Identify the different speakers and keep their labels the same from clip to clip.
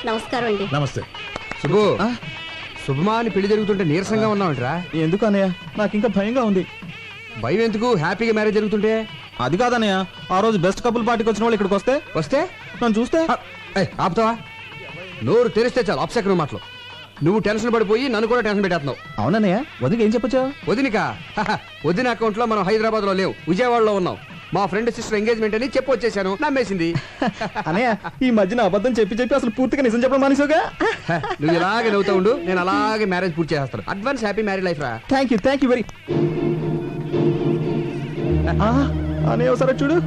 Speaker 1: నమస్కారం అండి.
Speaker 2: నమస్తే.
Speaker 3: శుభు శుభమా అని పెళ్లి జరుగుతుంటే నీరసంగా ఉన్నావుంట్రా?
Speaker 4: ఎందుకు అన్నయ్య, నాకు ఇంకా భయంగా ఉంది.
Speaker 3: భయం ఎందుకు? హ్యాపీగా మ్యారేజ్ జరుగుతుంటే.
Speaker 4: అది కాదన్నయ్య, ఆ రోజు బెస్ట్ కపుల్ పార్టీకి వచ్చిన వాళ్ళు ఇక్కడికి వస్తే నన్ను చూస్తే
Speaker 3: ఆపుతావా? నోరు తెరిస్తే చాలు అప్సెకరం మాటలు. నువ్వు టెన్షన్ పడిపోయి నన్ను కూడా టెన్షన్ పెట్టేస్తున్నావు.
Speaker 4: అవునన్నయ్య, వదిలికి ఏం చెప్పొచ్చా?
Speaker 3: వదినిక వదిన అకౌంట్ లో మనం హైదరాబాద్ లో లేవు, విజయవాడలో ఉన్నాం. మా ఫ్రెండ్ సిస్టర్ ఎంగేజ్మెంట్ అని చెప్పి వచ్చేసాను. నమ్మేసింది.
Speaker 4: అన్నయ్య, ఈ మధ్యన అబద్ధం చెప్పి అసలు పూర్తిగా నిజం చెప్పడం మానేసావుగా.
Speaker 3: నువ్వు ఇలాగే నవ్వుతా ఉండు, నేను అలాగే మ్యారేజ్ పూర్తి చేస్తాను. అడ్వాన్స్ హ్యాపీ మ్యారేజ్ లైఫ్ రా.
Speaker 4: Thank you very. అన్నయ్య ఒకసారి చూడు.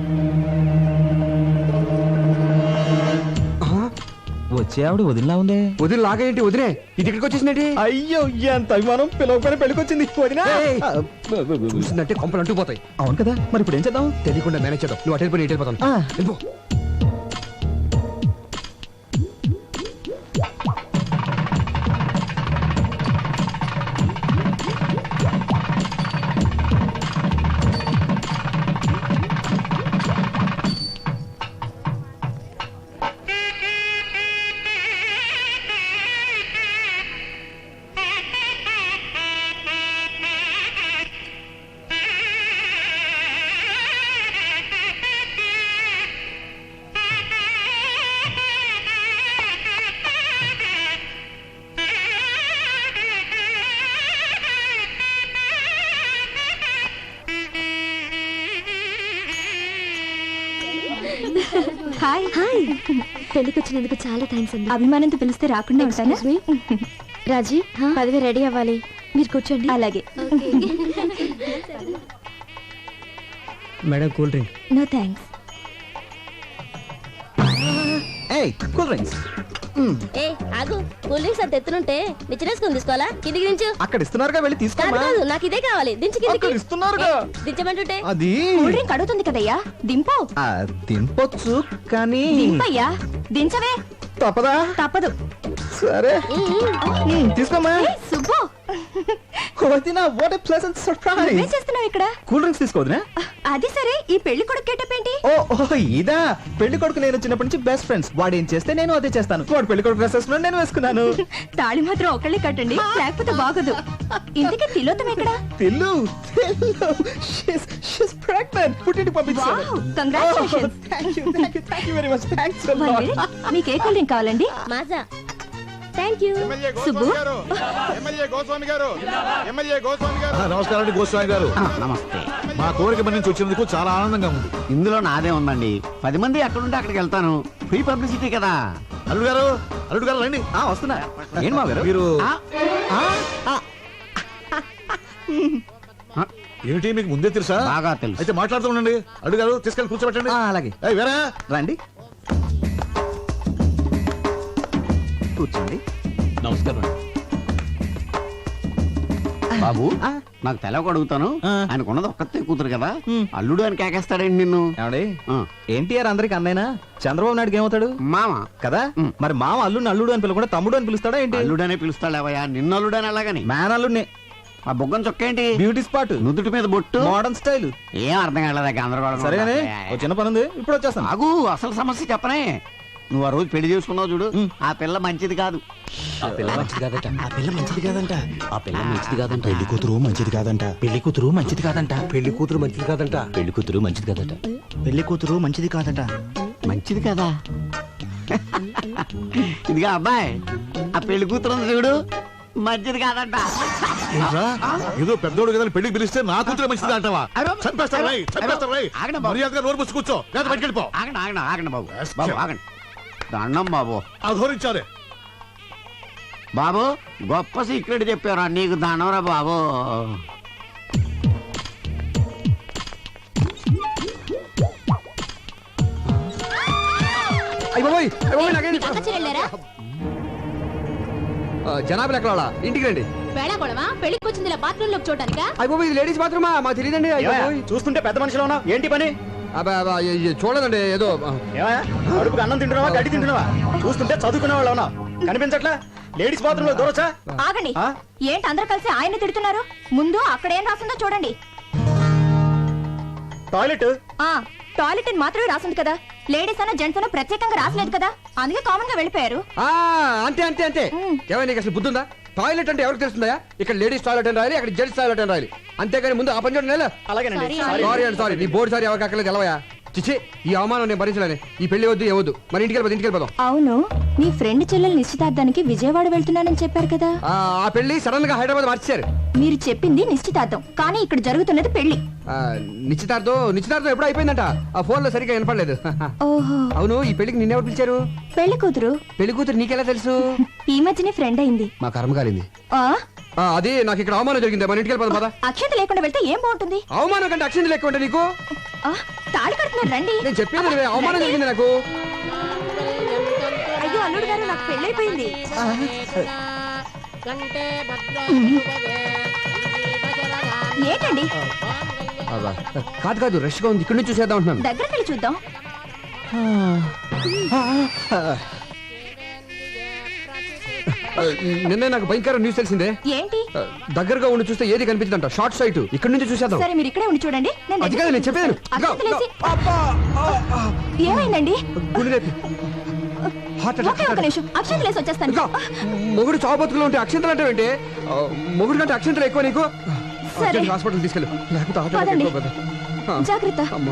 Speaker 4: వచ్చే ఆవిడ వదిలిలా ఉందే.
Speaker 3: వదిన లాగేంటి? వదిలే ఇది ఇక్కడికి వచ్చేసినట్టు.
Speaker 4: అయ్యో, ఎంత అభిమానం! పిలవకపోయినా పెళ్ళికొచ్చింది వదినా.
Speaker 3: చూసిందంటే కొంపలు అంటుకుపోతాయి.
Speaker 4: అవును కదా, మరి ఇప్పుడు ఏం చేద్దాం?
Speaker 3: తెలియకుండా మేనేజ్ చేద్దాం. నువ్వు అటు వెళ్ళిపోయి ఇటు వెళ్ళిపోతాను. వెళ్ళిపో.
Speaker 1: Hi hi. పెళ్లికి వచ్చినందుకు చాలా థ్యాంక్స్ అండి.
Speaker 5: అభిమానంతో పిలిస్తే రాకుండా ఉంటానా?
Speaker 1: రాజీ, పదవి రెడీ అవ్వాలి, మీరు కూర్చోండి.
Speaker 5: అలాగే.
Speaker 3: Madam cool drink.
Speaker 5: No thanks.
Speaker 4: Cool drinks
Speaker 1: ఏ ఆగు, కూల్ డ్రింక్స్ అంత ఎత్తునుంటే నిచ్చినేసుకుని తీసుకోవాలా? కిందికి దించు.
Speaker 4: అక్కడ ఇస్తున్నారుగా, వెళ్ళి తీసుకోమా.
Speaker 1: కాదు, నాకు ఇదే కావాలి. దించు కిందికి.
Speaker 4: అక్కడ ఇస్తున్నారుగా.
Speaker 1: దించమంటుంటే
Speaker 4: అది
Speaker 5: కూల్ డ్రింక్ అడుగుతుంది కదయ్యా, దింపు.
Speaker 4: తినపొచ్చు కానీ
Speaker 5: దింపయ్యా, దించవే.
Speaker 4: తప్పదా?
Speaker 5: తప్పదు.
Speaker 4: సరే తీసుకోమా.
Speaker 5: సుబ్బు,
Speaker 4: వదినా, వాట్ ఏ ప్లెజెంట్ సర్ప్రైజ్.
Speaker 5: ఏం చేస్తున్నావు ఇక్కడ?
Speaker 4: కూల్ డ్రింక్స్ తీసుకోవద్దునా?
Speaker 5: అది సరే, ఈ పెళ్లి కొడుకు గెటప్ ఏంటి?
Speaker 4: ఓ ఇదా. పెళ్లి కొడుకు నేను చిన్నప్పటి నుంచి బెస్ట్ ఫ్రెండ్స్. వాడు ఏం చేస్తే నేను అదే చేస్తాను. వాడు పెళ్లి కొడుకు డ్రెస్ వేసుకున్నాడు, నేను వేసుకున్నాను.
Speaker 5: తాళి మాత్రం ఒకళ్ళే కట్టండి, లేకపోతే బాగోదు. ఇంతకీ తిలోతం ఎక్కడ?
Speaker 4: Tillu she's pregnant. పుట్టింటికి పంపించాను.
Speaker 5: Wow, congratulations.
Speaker 4: Thank you very much. Thanks a
Speaker 5: one
Speaker 4: lot.
Speaker 5: Minute, మీకు ఏ కూల్ డ్రింక్ కావాలండి?
Speaker 1: మాజా. Thank you.
Speaker 5: సుబ్బు,
Speaker 2: నమస్కారం అండి గోస్వామి గారు.
Speaker 6: నమస్తే.
Speaker 2: మా కోరిక మన నుంచి వచ్చినందుకు చాలా ఆనందంగా ఉంది.
Speaker 6: ఇందులో నాదే ఉందండి. 10 మంది ఎక్కడుంటే అక్కడికి వెళ్తాను. ఫ్రీ పబ్లిసిటీ కదా.
Speaker 2: అల్లుడు గారు రండి.
Speaker 4: వస్తున్నా. ఏం మా గారు
Speaker 2: మీరు
Speaker 6: ఆ,
Speaker 2: ఏమిటి మీకు ముందే తెలుసా?
Speaker 6: బాగా తెలుసు.
Speaker 2: అయితే మాట్లాడుతూ ఉండండి. అల్లుడు గారు తీసుకెళ్ళి కూర్చోబెట్టండి.
Speaker 4: అలాగే.
Speaker 2: ఏయ్, వేరా
Speaker 4: రండి, కూర్చోండి.
Speaker 3: నమస్కారం.
Speaker 6: బాబు, నాకు తెలవక అడుగుతాను. ఆయనకున్నది ఒక్కతే కూతురు కదా, అల్లుడు అని కేకేస్తాడండి నిన్ను.
Speaker 4: ఏమండి,
Speaker 6: ఆ,
Speaker 4: ఎన్టీఆర్ అందరికి అన్నైనా, చంద్రబాబు నాయుడుకి ఏమవుతాడు?
Speaker 6: మామ.
Speaker 4: కదా మరి మామ అల్లుడిని అల్లుడు అని పిలవకుండా తమ్ముడు అని పిలుస్తాడా ఏంటి?
Speaker 6: అల్లుడనే పిలుస్తాడేవయ్యా, నిన్ను అల్లుడని అలాగని.
Speaker 4: మ్యాన్ అల్లుడిని.
Speaker 6: ఆ బుగ్గం చొక్కేంటి?
Speaker 4: బ్యూటీ స్పాట్,
Speaker 6: నుదుటి మీద బొట్టు,
Speaker 4: మోడర్న్ స్టైల్.
Speaker 6: ఏం అర్థం కాలేదా? గందరగోళం.
Speaker 4: సరేగానే, ఓ చిన్న పని ఉంది, ఇప్పుడు వచ్చేస్తాను.
Speaker 6: ఆగు, అసలు సమస్య చెప్పనే. నువ్వు ఆ రోజు పెళ్లి చేసుకున్నావు చూడు, ఆ పిల్ల మంచిది కాదు.
Speaker 3: పెళ్లి కూతురు మంచిది కాదంట.
Speaker 6: మంచిది కదా? ఇదిగా అబ్బాయి, ఆ పెళ్లి కూతురు ఉంది చూడు, మంచిది కాదంట.
Speaker 2: ఏదో పెద్దోడు కదా పెళ్లికి పిలిస్తే నా కూతురు మంచిది అంటావా? చంపేస్తారు రై.
Speaker 6: ఆగండి బాబు.
Speaker 2: మర్యాదగా నోరు మూసి కూర్చో, లేదా బయటికి వెళ్ళిపో.
Speaker 6: ఆగండి బాబు. బాబు ఆగండి. దండం బాబు.
Speaker 2: అధోరించాలి.
Speaker 6: బాబు, గొప్ప సీక్రెట్ చెప్పారా నీకు, దండంరా బాబు.
Speaker 3: జనాభా ఎక్కడ? ఇంటికి రండి.
Speaker 1: పెళ్లికి వచ్చింది బాత్రూమ్ లోకి చూడటానికా?
Speaker 3: అయిపోయి ఇది లేడీస్ బాత్రూమా? మాకు తెలియదండి.
Speaker 4: చూస్తుంటే పెద్ద మనిషిలో ఉన్నావు, ఏంటి పని?
Speaker 3: చూడదండి, ఏదో
Speaker 4: అడుపుకి అన్నం తింటున్నావా, గడ్డి తింటున్నావా? చూస్తుంటే చదువుకునే వాళ్ళు ఉన్నావు, కనిపించట్లా? లేడీస్ బాత్రూమ్ లో దూరొచ్చా?
Speaker 5: ఆగండి. ఏంటి అందరూ కలిసి ఆయన తిడుతున్నారు? ముందు అక్కడ ఏం రాసిందో చూడండి.
Speaker 4: టాయిలెట్
Speaker 5: టాయిలెట్ అని మాత్రమే రాసింది కదా, లేడీస్ అన్న జెంట్స్ అన్న ప్రత్యేకంగా రాసలేదు కదా, అందుకే కామన్ గా వెళ్ళిపోయారు.
Speaker 3: అంతే అంతే అంతే. ఏమైనా నీకు అసలు బుద్ధుందా? టాయిలెట్ అంటే ఎవరికి తెలుస్తుందా? ఇక్కడ లేడీస్ టాయిలెట్ అని రాయాలి, అక్కడ జెంట్స్ టాయిలెట్ అని రాయాలి. అంతేగాని ముందు ఆ పని చూడండి.
Speaker 4: అలాగేనండి.
Speaker 3: సారీ అండి సారీ. నీ బోర్డు సారీ ఎవరికి అక్కర్లేదు తెలవయా? చిచ్చి, ఈ అవమానం నేను భరించలేను. ఈ పెళ్లి వద్దు ఏవద్దు. మరి ఇంటికి వెళ్ళిపోదాం.
Speaker 5: అవును, నీ ఫ్రెండ్ చెల్లెలు నిశ్చితార్థానికి విజయవాడ వెళ్తున్నానని చెప్పారు కదా.
Speaker 3: ఆ పెళ్లి సడన్ గా హైదరాబాద్ మార్చారు.
Speaker 5: మీరు చెప్పింది నిశ్చితార్థం, కానీ ఇక్కడ జరుగుతున్నది పెళ్లి.
Speaker 3: నిశ్చితార్థం ఎప్పుడు అయిపోయిందంట. ఆ ఫోన్ లో సరిగ్గా వినపడలేదు.
Speaker 5: ఓహో,
Speaker 3: అవును, ఈ పెళ్లికి నిన్నెవరు పిలిచారు?
Speaker 5: పెళ్లి కూతురు.
Speaker 3: పెళ్లి కూతురు నీకెలా తెలుసు?
Speaker 5: ఈ మధ్యనే ఫ్రెండ్ అయింది.
Speaker 3: మా కర్మ కాలింది.
Speaker 5: ఆ
Speaker 3: అది నాకు ఇక్కడ అవమానం జరిగింది. మన ఇంటికి వెళ్ళిపోదాం పద.
Speaker 5: అక్షంత లేకుండా వెళ్తే ఏం బాగుంటుంది?
Speaker 3: అవమానం కంటే అక్షింది లెక్క ఉంటే నీకు.
Speaker 5: తాళి కడుతున్నారు రండి.
Speaker 3: నేను చెప్పేది నువ్వే. అవమానం జరిగింది నాకు.
Speaker 5: అయ్యో అల్లుడు గారు, నాకు పెళ్ళైపోయింది. ఏంటండి?
Speaker 3: కాదు రష్ గా ఉంది, ఇక్కడ నుంచి చూసేద్దాం అంటున్నాను.
Speaker 5: దగ్గరికి వెళ్ళి చూద్దాం.
Speaker 3: నిన్నే నాకు భయంకర న్యూస్ తెలిసిందే.
Speaker 5: ఏంటి?
Speaker 3: దగ్గరగా ఉండి చూస్తే ఏది కనిపించదంట. Short site. ఇక్కడ నుంచి చూసేద్దాం.
Speaker 5: సరే మీరు ఇక్కడే ఉండి చూడండి.
Speaker 3: అది కాదు నేను చెప్పేది.
Speaker 5: ఏమైందండి?
Speaker 3: హార్ట్
Speaker 5: ఒకే ఒక నిమిషం, అక్షంత లేసి వచ్చేస్తాను.
Speaker 3: మొగుడు చావు బతుకులు ఉంటే అక్షంతలు అంటే ఏంటి? మొగుడు కంటే అక్షంతలు ఎక్కువ నీకు.
Speaker 5: సరే.
Speaker 3: హాస్పిటల్ తీసుకెళ్ళు, లేకపోతే హార్ట్
Speaker 5: పదండి.
Speaker 3: అటాక్ ఎక్కువ కదా.
Speaker 5: జాగ్రత్త.
Speaker 3: అమ్మా.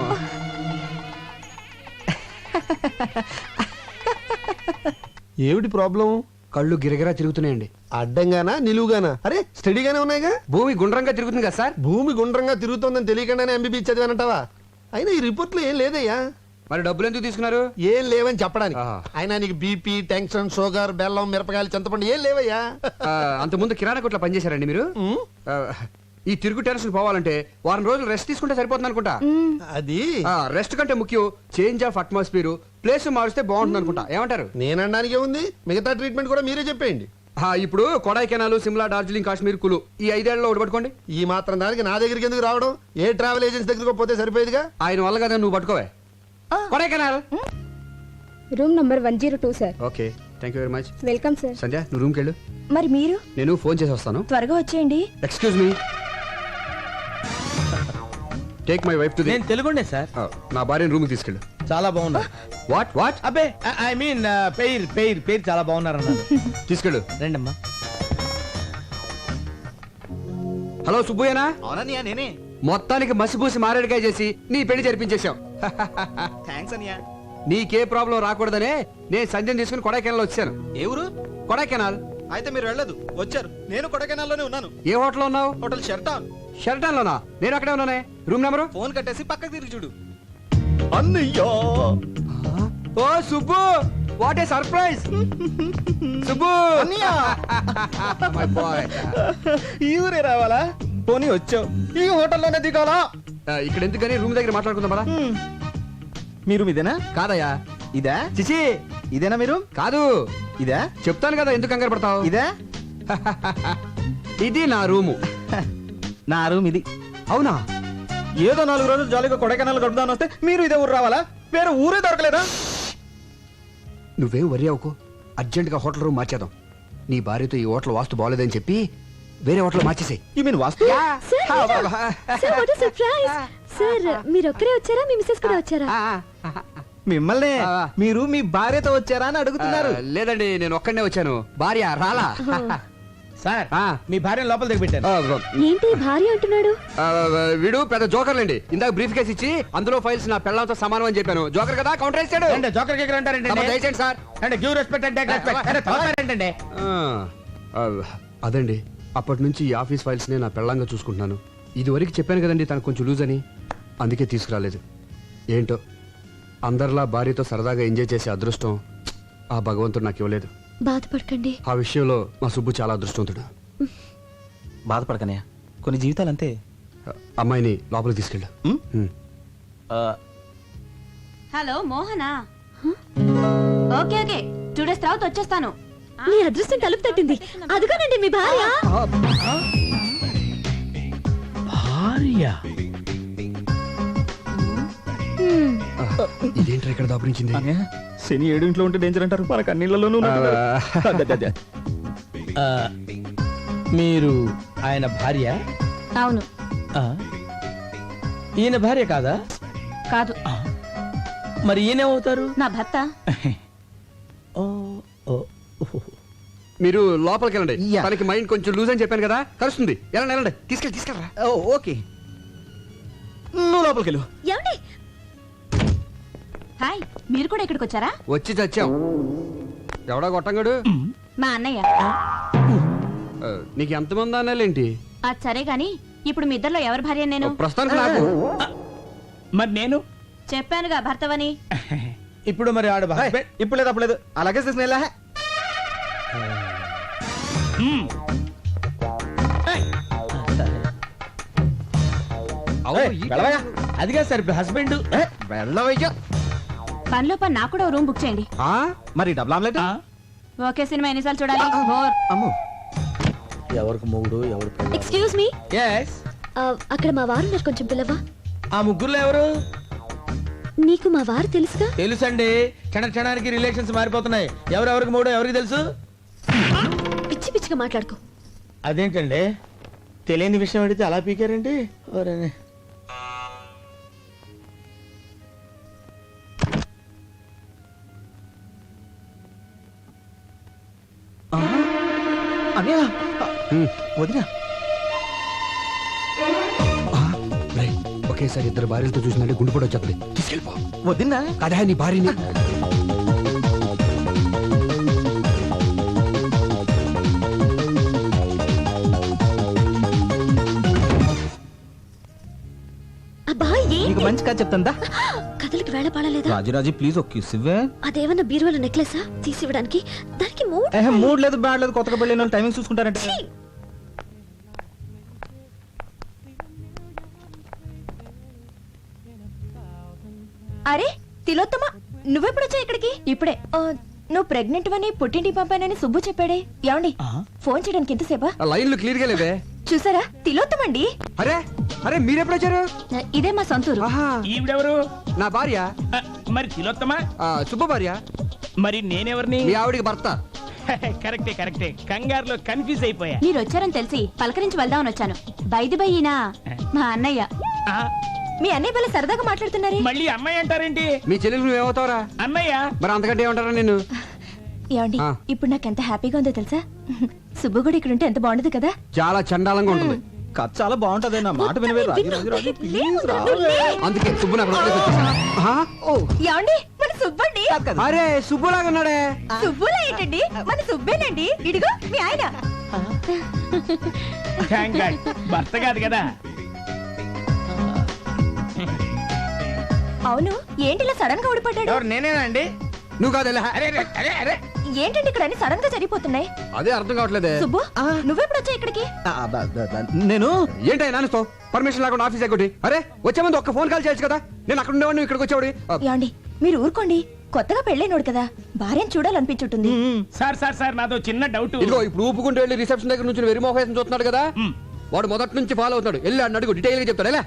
Speaker 7: ఏమిటి ప్రాబ్లం?
Speaker 3: కళ్ళు గిరగిరా తిరుగుతున్నాయండి.
Speaker 7: అడ్డంగానా నిలువుగానా? అరే స్టడీగానే ఉన్నాయిగా.
Speaker 3: భూమి గుండ్రంగా తిరుగుతుంది కదా సార్.
Speaker 7: భూమి గుండ్రంగా తిరుగుతోందని తెలియకుండానే ఎంబీబీ చదివానంటావా? అయినా ఈ రిపోర్ట్లో ఏం లేదయ్యా.
Speaker 3: మరి డబ్బులు ఎందుకు తీసుకున్నారు?
Speaker 7: ఏం లేవని చెప్పడానికి.
Speaker 3: ఆహా.
Speaker 7: అయినా నీకు బీపీ, టెన్షన్, షుగర్, బెల్లం, మిరపకాయలు, చింతపండు ఏం లేవయ్యా.
Speaker 3: అంతకుముందు కిరాణా కొట్లో పనిచేశారండి మీరు?
Speaker 7: ఉమ్,
Speaker 3: ఈ తిరుగు టెన్షన్ పోవాలంటే వారం రోజులు రెస్ట్ తీసుకుంటే సరిపోతుంది అనుకుంటా.
Speaker 7: అది
Speaker 3: రెస్ట్ కంటే ముఖ్యం చేంజ్ ఆఫ్ అట్మాస్ఫియర్. ప్లేస్ మారిస్తే బాగుంటుంది అనుకుంటా. ఏమంటారు?
Speaker 7: నేనడానికే ఉంది. మిగతా ట్రీట్మెంట్ కూడా మీరే చెప్పేయండి.
Speaker 3: ఇప్పుడు కొడైకెనాల్, సిమ్లా, డార్జిలింగ్, కాశ్మీర్, కులు ఈ 5 ఏళ్లలో ఒకటి పట్టుకోండి.
Speaker 7: ఈ మాత్రం దానికి నా దగ్గరికి ఎందుకు రావడం? ఏ ట్రావెల్ ఏజెన్సీ దగ్గరకు పోతే సరిపోయేదిగా.
Speaker 3: ఆయన వల్ల కదా నువ్వు పట్టుకోవే. Kodaikanal
Speaker 8: room number 102 sir.
Speaker 3: Okay, thank you very much.
Speaker 8: Welcome sir.
Speaker 3: Sanjay నువ్వు రూమ్కి వెళ్ళు.
Speaker 5: మరి మీరు
Speaker 3: నేను ఫోన్ చేసి వస్తాను.
Speaker 5: త్వరగా వచ్చేయండి.
Speaker 3: Excuse me, take my wife to the.
Speaker 4: నేను తెలుగుండే సార్.
Speaker 3: నా భార్యను రూమ్కి తీసుకెళ్ళు.
Speaker 4: చాలా బాగున్నారు.
Speaker 3: What what?
Speaker 4: అబ్బే ఐ మీన్ పేరు చాలా బాగున్నారు అన్నారు.
Speaker 3: తీసుకెళ్ళు.
Speaker 4: రండమ్మా.
Speaker 3: హలో సుబ్బయ్యనా?
Speaker 4: అవునన్నయ్య నేనే.
Speaker 3: మొత్తానికి మసిపూసి మారేడుకాయ చేసి నీ పెళ్లి జరిపించేశావు.
Speaker 4: థ్యాంక్స్ అన్నయ్య.
Speaker 3: నీకే ప్రాబ్లం రాకూడదనే నేను సంధ్యను తీసుకుని కొడైకెనాల్ వచ్చాను.
Speaker 4: ఏ ఊరు?
Speaker 3: కొడైకెనాల్.
Speaker 4: అయితే మీరు వెళ్ళదు, వచ్చారు. నేను కొడైకెనాల్లోనే ఉన్నాను.
Speaker 3: ఏ హోటల్ ఉన్నావు?
Speaker 4: Hotel Sheraton.
Speaker 3: షెరటాన్ లోనా? నేను అక్కడే ఉన్నానే. Room number?
Speaker 4: ఫోన్ కట్టేసి పక్కకి తిరిగి చూడు. అన్నయ్యో,
Speaker 3: ఓ Subbu, what a surprise. Subbu
Speaker 4: అన్నయ్య.
Speaker 3: My boy.
Speaker 4: ఈ ఊరే రావాలా? పోనీ వచ్చావు, ఈ హోటల్లోనే దిగాలా?
Speaker 3: ఇక్కడ ఎందుకని రూమ్ దగ్గర మాట్లాడుకుందాం పదా.
Speaker 4: మీరు ఇదేనా?
Speaker 3: కాదయ్యా.
Speaker 4: ఇదా?
Speaker 3: చిచి,
Speaker 4: ఇదేనా మీరు?
Speaker 3: కాదు.
Speaker 4: ఇదా?
Speaker 3: చెప్తాను కదా, ఎందుకు కంగారు పడతావు.
Speaker 4: ఇదా?
Speaker 3: ఇది నా రూము.
Speaker 4: నా రూమ్ ఇది.
Speaker 3: అవునా?
Speaker 4: ఏదో 4 రోజులు జాలీగా కొడైకెనాల్ గడుపుదాని వస్తే మీరు ఇదే ఊరు రావాలా? వేరే ఊరే దొరకలేదా?
Speaker 3: నువ్వేం వరి అవ్వకు. అర్జెంట్ గా హోటల్ రూమ్ మార్చేద్దాం. నీ భార్యతో ఈ హోటల్ వాస్తు బాగోలేదని చెప్పి వేరే హోటల్ మార్చేసాయి.
Speaker 4: You mean vastu?
Speaker 8: సార్ మీరు ఒక్కరే వచ్చారా? మీ మిస్సెస్ కూడా వచ్చారా?
Speaker 4: మిమ్మల్ని మీరు మీ భార్యతో వచ్చారా అని అడుగుతున్నారు.
Speaker 3: లేదండి, నేను ఒక్కడనే వచ్చాను. భార్య రాలా.
Speaker 4: సార్ మీ భార్యను లోపల దిగబెట్టాను.
Speaker 8: ఏంటి భార్య అంటున్నాడు?
Speaker 3: వీడు పెద్ద జోకర్లండి. ఇందాక బ్రీఫ్ కేసు ఇచ్చి అందులో ఫైల్స్ నా పెళ్ళంతో సమానం అని చెప్పాను. జోకర్ కదా, కౌంటర్ వేసాడు.
Speaker 4: అంటే జోకర్ కేకర్ అంటారంటే
Speaker 3: దయచేయండి సార్.
Speaker 4: అంటే give respect and take respect అంటే తలపేరంటండి.
Speaker 3: అదండి, అప్పటి నుంచి ఈ ఆఫీస్ ఫైల్స్ నే నా పెళ్ళంగా చూసుకుంటున్నాను. ఇదివరకు చెప్పాను కదండి తనకు కొంచెం లూజ్ అని, అందుకే తీసుకురాలేదు. ఏంటో అందరిలా భార్యతో సరదాగా ఎంజాయ్ చేసే అదృష్టం ఆ భగవంతుడు నాకు ఇవ్వలేదు.
Speaker 8: బాధపడకండి.
Speaker 3: ఆ విషయంలో మా సుబ్బు చాలా అదృష్టవంతుడు.
Speaker 4: బాధపడకనే, కొన్ని జీవితాలు అంతే.
Speaker 3: అమ్మాయిని లోపలికి తీసుకెళ్ళు.
Speaker 5: హలో మోహనా? ఓకే ఓకే, 2 days తర్వాత వచ్చేస్తాను.
Speaker 8: మీ అదృష్టం తలుపు తట్టింది. అదుగోనండి మీ భార్య.
Speaker 3: ఇదేంటి ఇక్కడ దాపురించింది?
Speaker 4: శని 7 ఇంట్లో ఉంటే డేంజర్ అంటారు, మనకు అన్నిళ్ళలోనూ మీరు ఆయన భార్య?
Speaker 5: అవును.
Speaker 4: ఈయన భార్య కాదా?
Speaker 5: కాదు.
Speaker 9: మరి ఈయనేమవుతారు?
Speaker 5: నా భర్త.
Speaker 3: మీరు లోపలికి వెళ్ళండి.
Speaker 4: యా.
Speaker 3: తనకి మైండ్ కొంచెం లూజ్ అని చెప్పాను కదా, కలుస్తుంది. వెళ్ళండి వెళ్ళండి, తీసుకెళ్ళరా.
Speaker 4: ఓకే, నువ్వు లోపలికి వెళ్ళు.
Speaker 8: ఏమండి
Speaker 5: హాయ్, మీరు కూడా ఇక్కడికి వచ్చారా?
Speaker 3: వచ్చి చచ్చాం. ఎవడా గొట్టంగాడు?
Speaker 5: మా అన్నయ్య.
Speaker 3: నీకు ఎంతమంది అన్నాలేంటి?
Speaker 5: అది సరే గాని ఇప్పుడు మీ ఇద్దరిలో ఎవరి భార్య నేను?
Speaker 3: ప్రస్తుతానికి నాకు.
Speaker 9: మరి నేను
Speaker 5: చెప్పానుగా భర్తవని.
Speaker 9: ఇప్పుడు మరి ఆడు
Speaker 4: ఇప్పుడు లేదు అప్పుడు లేదు, అలాగే తీసుకుని వెళ్ళా. వెళ్ళవయ్యా.
Speaker 9: అదిగా సార్ హస్బెండ్.
Speaker 4: వెళ్ళవయ్యా.
Speaker 5: పనిలో పని నాకు కూడా రూమ్ బుక్ చేయండి.
Speaker 4: మరి డబుల్ ఆమ్లెట్.
Speaker 5: ఓకే, సినిమా ఎన్నిసార్లు చూడాలి? బోర్.
Speaker 4: అమ్మో,
Speaker 9: ఎవరికి మొగుడు ఎవరు?
Speaker 8: Excuse me,
Speaker 9: yes.
Speaker 8: అక్కడ మా వారు ఉన్నారు, కొంచెం పిల్లవా?
Speaker 9: ఆ ముగ్గురులో ఎవరు?
Speaker 8: నీకు మా వారు తెలుసుగా?
Speaker 9: తెలుసండి, క్షణానికి రిలేషన్స్ మారిపోతున్నాయి. ఎవరెవరికి మూడో ఎవరికి తెలుసు?
Speaker 8: పిచ్చి పిచ్చిగా మాట్లాడుకో.
Speaker 9: అదేంటండి, తెలియని విషయం అడిగితే అలా పీకారండి.
Speaker 4: అన్నయ్య, వదినా.
Speaker 3: ఒకేసారి ఇద్దరు భార్యలతో చూసినట్టే గుండు కూడా వచ్చేది. తీసుకెళ్ళిపో.
Speaker 4: వదినా
Speaker 3: కదా నీ భార్యని.
Speaker 8: అబ్బా
Speaker 4: నీకు
Speaker 8: ఏంటి?
Speaker 4: మంచి కథ చెప్తాందా?
Speaker 8: కథలకి వేళ పాడలేదా?
Speaker 4: రాజురాజు ప్లీజ్ ఒక కిస్ ఇవ్వే.
Speaker 8: అదేమన్నా బీరువాల నెక్లెసా తీసివ్వడానికి? దానికి
Speaker 4: మూడ్ లేదు, బ్యాడ్ లేదు, కొత్తగా పెళ్ళి టైమింగ్ చూసుకుంటారంటే.
Speaker 5: అరే తిలోత్తమ, నువ్వెప్పుడు వచ్చా ఇక్కడికి? ఇప్పుడే. నువ్వు ప్రెగ్నెంట్ అని పుట్టింటి పంపానని సుబ్బు చెప్పాడే. ఏమండి, ఫోన్ చేయడానికి ఎంతసేపా?
Speaker 3: లైన్లు క్లియర్ గా లేవే.
Speaker 5: చూసారా, తిలోత్తమండి.
Speaker 3: అరే అరే మీరెప్పుడు వచ్చారు?
Speaker 5: ఇదే మా సొంతూరు.
Speaker 3: ఆహా,
Speaker 9: ఈవిడెవరు?
Speaker 3: నా భార్య.
Speaker 9: మరి తిలోత్తమా?
Speaker 3: శుభ భార్య.
Speaker 9: మరి నేనెవరిని?
Speaker 3: మీ ఆవిడికి భర్త.
Speaker 9: కరెక్టే. కంగారులో కన్ఫ్యూజ్ అయిపోయా.
Speaker 5: మీరు వచ్చారని తెలిసి పలకరించి వెళ్దామని వచ్చాను. బైది బయ్యినా మా అన్నయ్య. మీ అన్నయ్య వల్ల సరదాగా మాట్లాడుతున్నారే.
Speaker 9: మళ్ళీ అమ్మాయి అంటారేంటి?
Speaker 3: మీ చెల్లెలు నువ్వేమవుతావరా?
Speaker 9: అన్నయ్య.
Speaker 3: మరి అంతకంటే ఏమంటారా నేను?
Speaker 5: ఏమండి, ఇప్పుడు నాకు ఎంత హ్యాపీగా ఉందో తెలుసా? సుబ్బు కూడా ఇక్కడ ఉంటే ఎంత బాగుండదు కదా?
Speaker 3: చాలా చండాలంగా ఉంటుంది.
Speaker 4: కథ చాలా బాగుంటది, నా మాట వినవే. రాజు ప్లీజ్ రా.
Speaker 3: అందుకే సుబ్బు నాకు వదిలేసి వచ్చేసాను. ఆహా,
Speaker 5: ఏమండి, మన సుబ్బండి.
Speaker 3: అరే సుబ్బులాగా ఉన్నాడే.
Speaker 5: సుబ్బులా ఏంటండి, మన సుబ్బేనండి. ఇడిగో మీ ఆయన.
Speaker 9: థాంక్ గాడ్, భర్త కాదు కదా.
Speaker 5: అవును, ఏంటి ఇలా సడన్ గా ఊడిపడ్డాడు?
Speaker 9: ఎవరు? నేనేనండి.
Speaker 3: నువ్వు కాదు.
Speaker 9: అరే
Speaker 5: ఏంటండి ఇక్కడ అన్ని సడన్ గా జరిగిపోతున్నాయి?
Speaker 3: అదే అర్థం కావట్లేదే.
Speaker 5: సుబ్బు, నువ్వెప్పుడు వచ్చా ఇక్కడికి?
Speaker 4: నేను
Speaker 3: ఏంటో నాన్నతో పర్మిషన్ లేకుండా ఆఫీస్ ఎక్కటి? అరే వచ్చే ముందు ఒక్క ఫోన్ కాల్ చేయొచ్చు కదా. నేను అక్కడ ఉండేవాడిని, ఇక్కడికి వచ్చేవాడి.
Speaker 5: ఏమండి, మీరు ఊరుకోండి. కొత్తగా పెళ్ళైనోడు కదా, భార్యను చూడాలనిపించుంటుంది.
Speaker 9: సార్ నాతో చిన్న డౌట్.
Speaker 3: ఇదిగో ఇప్పుడు ఊపుకుంటూ వెళ్ళి రిసెప్షన్ దగ్గర నుంచి వెరీ మోహేసం చూస్తున్నాడు కదా, వాడు మొదటి నుంచి ఫాలో అవుతున్నాడు. వెళ్ళి అన్న అడుగు, డీటెయిల్ గా చెప్తాడు. ఎలా?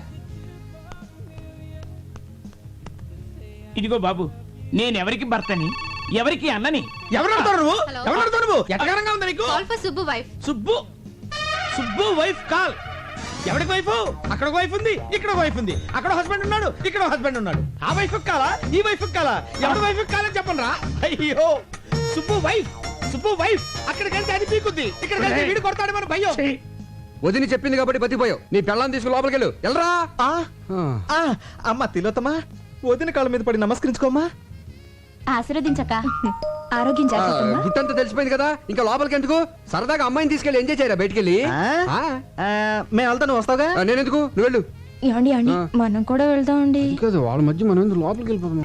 Speaker 9: ఇదిగో బాబు, నేను ఎవరికి భర్తని, ఎవరికి అన్నని? ఎవరు నువ్వు? ఎవరు నువ్వు? ఎట్టగరంగా ఉంది నీకు?
Speaker 8: Subbu wife.
Speaker 9: Subbu wife call. ఎవరికి వైఫ్? అక్కడ ఒక వైఫ్ ఉంది, ఇక్కడ ఒక వైఫ్ ఉంది. అక్కడ హస్బెండ్ ఉన్నాడు, ఇక్కడ హస్బెండ్ ఉన్నాడు. ఆ వైఫ్ కాలా, ఈ వైఫ్ కాలా? ఎవరి వైఫ్ కాలని చెప్పండి రా. అయ్యో, సుబ్బు వైఫ్ అక్కడికి వెళ్తే అది పీకుద్ది, ఇక్కడికి వెళ్తే వీడు కొడతాడు మన భయ్యో.
Speaker 3: వదిని చెప్పింది కాబట్టి బతికిపోయావు. నీ పెళ్ళాన్ని తీసుకుని లోపలికి వెళ్ళు. వెళ్ళరా.
Speaker 4: అమ్మ తిలోత్తమా, వదిన కాళ్ళ మీద పడి నమస్కరించుకోమ్మా.
Speaker 5: ఆశీర్వదించక ఆరోగ్యం జాగ్రత్త.
Speaker 3: గుట్టంతా తెలిసిపోయింది కదా, ఇంకా లోపలికి ఎందుకు? సరదాగా అమ్మాయిని తీసుకెళ్ళి ఎంజాయ్ చేయరా బయటికి.
Speaker 4: మేము వెళ్తా, నువ్వు వస్తావుగా.
Speaker 3: నేను ఎందుకు, నువ్వు వెళ్ళు.
Speaker 5: ఏమండి, మనం కూడా వెళ్దామండి.
Speaker 3: వాళ్ళ మధ్య మనం ఎందుకు లోపలికి వెళ్ళిపోతాం?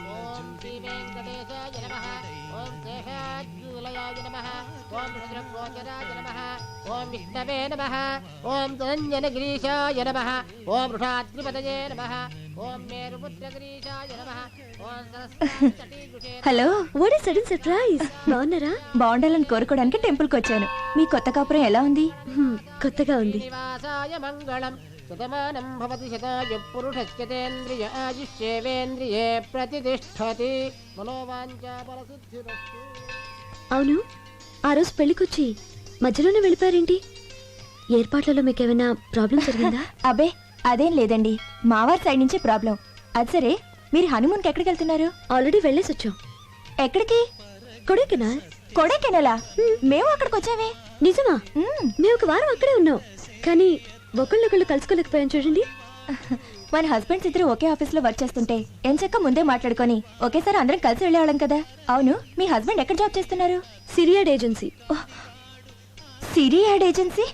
Speaker 1: ఓం విష్ణవే నమః. ఓం ధనంజనగిరీశాయ నమః. ఓం వృషాద్రిపతయే నమః. ఓం మేరుపుత్రగిరీశాయ నమః. ఓం Saraswati.
Speaker 5: Hello,
Speaker 8: what is sudden surprise? బాగున్నారా?
Speaker 5: బాగుండాలని కోరుకోవడానికి టెంపుల్ కి వచ్చాను. మీ కొత్త కాపురం ఎలా ఉంది?
Speaker 8: కొత్తగా ఉంది.
Speaker 1: శ్రీనివాసాయ మంగళం. శతమానం భవతి శతాయు పురుషస్యతేంద్రియ ఆయుష్యేవేంద్రియే ప్రతిష్ఠతి. మనోవాంఛా ఫలసిద్ధిరస్తు.
Speaker 8: అవును, ఆ రోజు పెళ్లికొచ్చి మధ్యలోనే వెళ్ళిపోయారేంటి? ఏర్పాట్లలో మీకేమైనా ప్రాబ్లం జరిగిందా?
Speaker 5: అబే అదేం లేదండి, మావారి సైడ్ నుంచి ప్రాబ్లం. అది సరే, మీరు హనీమూన్కి ఎక్కడికి వెళ్తున్నారు?
Speaker 8: ఆల్రెడీ వెళ్ళేసి వచ్చాం.
Speaker 5: ఎక్కడికి?
Speaker 8: కొడైకెనాల్.
Speaker 5: కొడైకెనాలా? మేము అక్కడికి వచ్చామే.
Speaker 8: నిజమా? మేము ఒక వారం అక్కడే ఉన్నాం, కానీ ఒకళ్ళొకళ్ళు కలుసుకోలేకపోయాం చూడండి.
Speaker 5: మన హస్బెండ్స్ ఇద్దరు ఒకే ఆఫీస్ లో వర్క్ చేస్తుంటే ఎంచక్క ముందే మాట్లాడుకొని ఒకేసారి అందరం కలిసి వెళ్ళేవాళ్ళం కదా. అవును, మీ హస్బెండ్ ఎక్కడ జాబ్ చేస్తున్నారు?
Speaker 8: సిరియాడ్ ఏజెన్సీ.
Speaker 5: సిరియాడ్ ఏజెన్సీ?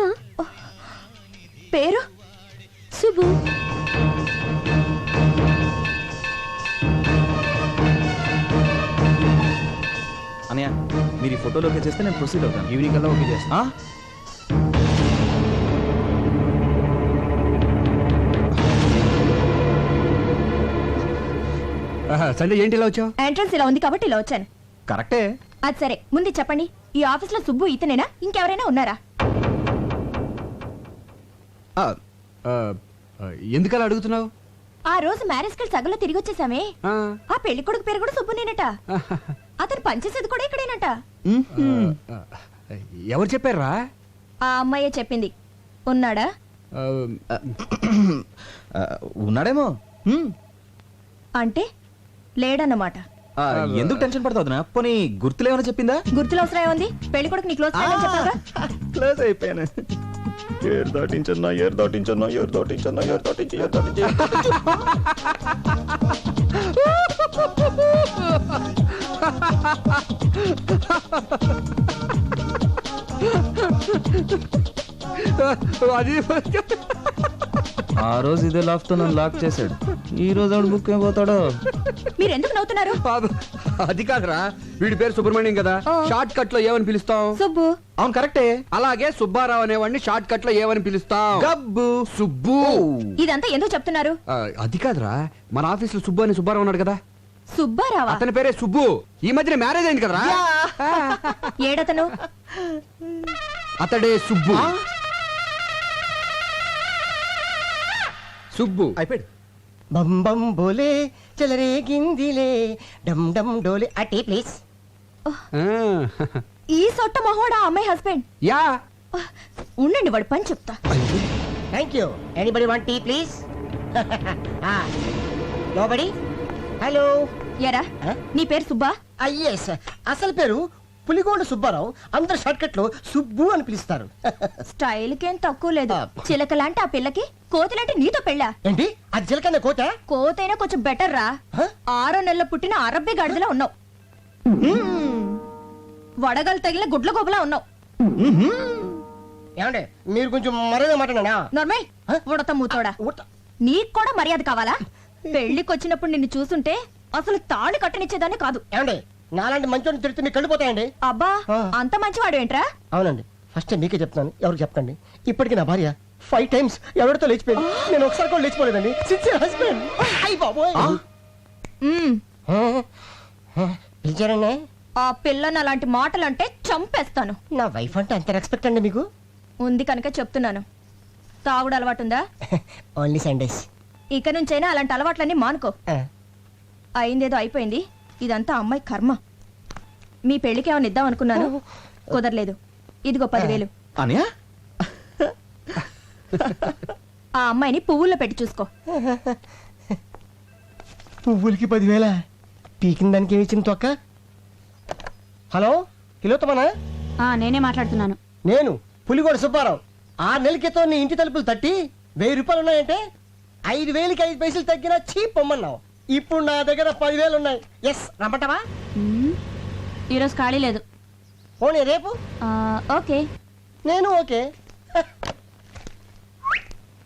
Speaker 5: పేరు?
Speaker 8: సుబ్బు.
Speaker 4: అనయ్య మీరు ఈ ఫోటోలోకి చేస్తే నేను ప్రొసీడ్ అవుతాను.
Speaker 3: ఈవినింగ్ కల్లా ఓకే చేస్తా. సండే ఏంటి ఇలా వచ్చావు?
Speaker 5: ఎంట్రన్స్ ఇలా ఉంది కాబట్టి ఇలా వచ్చాను.
Speaker 4: కరెక్టే.
Speaker 5: అది సరే, ముందు చెప్పండి, ఈ ఆఫీస్ లో సుబ్బు ఇతనేనా, ఇంకెవరైనా ఉన్నారా?
Speaker 3: ఎందుకలా అడుగుతున్నావు?
Speaker 5: ఆ రోజు మ్యారేజ్ కి సగంలో తిరిగి వచ్చేసామే. ఆ పెళ్లి కొడుకు పేరు కూడా సుబ్బునేనట. అతను పనిచేసేది కూడా ఇక్కడేనట.
Speaker 3: ఎవరు చెప్పారా?
Speaker 5: ఆ అమ్మాయే చెప్పింది. ఉన్నాడా?
Speaker 4: ఉన్నాడేమో.
Speaker 5: అంటే లేడన్నమాట.
Speaker 4: ఎందుకు టెన్షన్ పడతావు? పోనీ గుర్తులేమైనా చెప్పిందా?
Speaker 5: గుర్తులు అవసరం ఏముంది? పెళ్లి కొడుకు నీ క్లోజ్ ఫ్రెండ్ అని చెప్పాగా.
Speaker 4: క్లోజ్ అయిపోయాను. ఏరు దాటించన్నా, ఏరు దాటించన్నా, ఏరు దాటించన్నా, ఏరు దాటించి, ఏరు దాటించి.
Speaker 3: అది
Speaker 4: ఆ రోజు ఇదే లాక్ తో నన్ను లాక్ చేశాడు. ఈ రోజు ఆవిడ బుక్ అయిపోతాడు.
Speaker 5: మీరు ఎందుకు నవ్వుతున్నారు?
Speaker 3: అది కాదురా, వీడి పేరు సుబ్రహ్మణ్యం కదా, షార్ట్ కట్ లో ఏమని పిలుస్తాం?
Speaker 5: సుబ్బు.
Speaker 4: అవును కరెక్టే.
Speaker 3: అలాగే సుబ్బారావు అనేవాడిని షార్ట్ కట్ లో ఏమని పిలుస్తాం?
Speaker 4: గబ్బు.
Speaker 3: సుబ్బు.
Speaker 5: ఇదంతా ఎందుకు చెప్తున్నారు?
Speaker 3: అది కాదురా, మన ఆఫీస్ లో సుబ్బు అని సుబ్బారావు ఉన్నాడు కదా.
Speaker 5: సుబ్బారావా?
Speaker 3: అతని పేరే సుబ్బు. ఈ మధ్యన మ్యారేజ్ అయింది కదరా.
Speaker 5: ఏడతను?
Speaker 3: అతడే సుబ్బు. సుబ్బు
Speaker 4: అయిపోయాడు.
Speaker 10: బం బం బోలే చెలరేగిందిలే డమ్ డమ్ డోలే అటే ప్లీజ్.
Speaker 5: ఈ సొట్ట మొహోడా అమ్మాయి హస్బెండ్?
Speaker 3: యా.
Speaker 5: ఉండండి, వాడు పని చెప్తా.
Speaker 10: Thank you. Anybody want tea please? Nobody. Hello.
Speaker 5: ఎరా, నీ పేరు సుబ్బా?
Speaker 10: ఎస్, అసలు పేరు పులిగోండ సుబ్బారావు. అందరు షార్ట్ కట్ లో సుబ్బు అని పిలుస్తారు.
Speaker 5: స్టైల్ కేం తక్కువ లేదు. చిలకలాంటి ఆ పిల్లకి కోతిలాంటి నీతో పెళ్ళా?
Speaker 10: ఏంటి అది చిలకన్న కోట?
Speaker 5: కోతైనా కొంచెం బెటర్ రా. 6 నెలల పుట్టిన అరబ్బీ గాడిదలా ఉన్నావు. వడగలు తగిలిన గుడ్ల గోబలా ఉన్నావు.
Speaker 10: ఏమంటే మీరు కొంచెం మర్యాద మాట్లాడా?
Speaker 5: నార్మల్ ఉడత మూతోడా. నీకు కూడా మర్యాద కావాలా? పెళ్లికి వచ్చినప్పుడు నిన్ను చూస్తుంటే అసలు తాళి కట్టనిచ్చేదాన్ని కాదు.
Speaker 10: ఏమండి నాలాంటి మంచోడిని తిడితే మీకు కళ్ళిపోతాయండి.
Speaker 5: అబ్బా, అంత మంచివాడు ఏంట్రా?
Speaker 10: అవునండి, ఫస్ట్ మీకే చెప్తాను, ఎవరికి చెప్పండి. ఇప్పటికి నా భార్య 5 times ఎవరితో లేచిపోయింది. నేను ఒకసారి కూడా లేచిపోలేదండి. Sincere husband. అయ్య బాబోయ్. పిలిచారండి?
Speaker 5: ఆ పిల్లని అలాంటి మాటలంటే చంపేస్తాను.
Speaker 10: నా వైఫ్ అంటే అంత రెస్పెక్ట్ అండి మీకు?
Speaker 5: ఉంది కనుక చెప్తున్నాను. తాగుడు అలవాటుందా?
Speaker 10: Only Sundays.
Speaker 5: ఇక నుంచైనా అలాంటి అలవాట్లన్నీ మానుకో. అయిందేదో అయిపోయింది. ఇదంతా అమ్మాయి కర్మ. మీ పెళ్లికి ఏమైనా ఇద్దాం అనుకున్నాను, కుదరలేదు. ఇదిగో 10,000.
Speaker 4: అనయా,
Speaker 5: ఆ అమ్మాయిని పువ్వుల్లో పెట్టి చూసుకో.
Speaker 10: పువ్వులకి 10,000? పీకిన దానికి ఏమి ఇచ్చింది తొక్క? హలో, కిలోతమనా?
Speaker 8: నేనే మాట్లాడుతున్నాను.
Speaker 10: నేను పులిగోడ సుబ్బారావు. 6 నెలల క్రితం నీ ఇంటి తలుపులు తట్టి 1000 రూపాయలు ఉన్నాయంటే 5,000కి 5 పైసలు తగ్గినా చీప్ పొమ్మన్నావు. ఇప్పుడు నా దగ్గర 10,000 ఉన్నాయి. ఎస్, రమ్మంటావా?
Speaker 8: ఈరోజు ఖాళీ లేదు.
Speaker 10: పోనీ రేపు?
Speaker 8: ఓకే.
Speaker 10: నేను ఓకే.